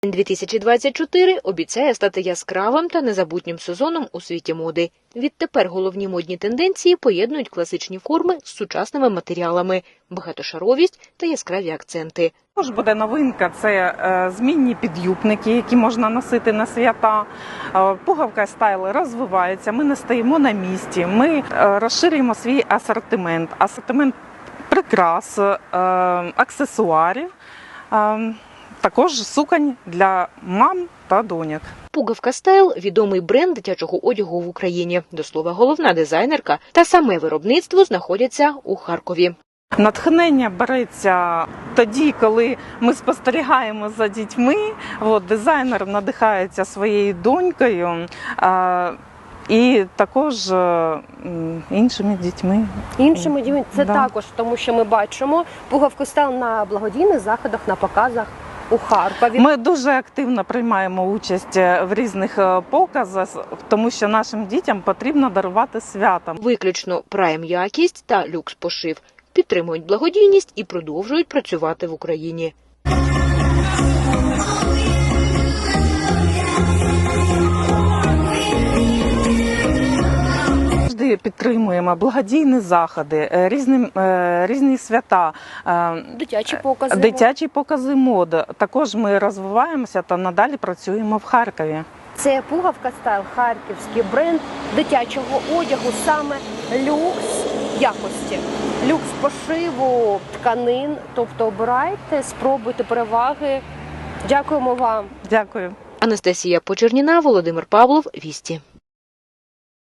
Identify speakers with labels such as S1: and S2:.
S1: 2024 обіцяє стати яскравим та незабутнім сезоном у світі моди. Відтепер головні модні тенденції поєднують класичні форми з сучасними матеріалами, багатошаровість та яскраві акценти.
S2: Також буде новинка – це змінні підюбники, які можна носити на свята. Пуговка стайл розвивається, ми не стоїмо на місці, ми розширюємо свій асортимент. Асортимент прикрас, аксесуарів, також суконь для мам та доньок.
S1: Пуговка Стайл – відомий бренд дитячого одягу в Україні. До слова, головна дизайнерка та саме виробництво знаходяться у Харкові.
S2: Натхнення береться тоді, коли ми спостерігаємо за дітьми. Дизайнер надихається своєю донькою і також іншими дітьми.
S3: Іншими дітьми – це також, тому що ми бачимо пуговку Стайл на благодійних заходах, на показах у Харкові.
S2: Ми дуже активно приймаємо участь в різних показах, тому що нашим дітям потрібно дарувати свята.
S1: Виключно прайм-якість та люкс-пошив підтримують благодійність і продовжують працювати в Україні.
S2: Завжди підтримуємо благодійні заходи, різні свята, дитячі покази мод. Також ми розвиваємося та надалі працюємо в Харкові.
S3: Це Пуговка Стайл, харківський бренд дитячого одягу, саме люкс якості, люкс пошиву тканин. Тобто обирайте, спробуйте переваги. Дякуємо вам.
S2: Дякую.
S1: Анастасія Почерніна, Володимир Павлов, Вісті.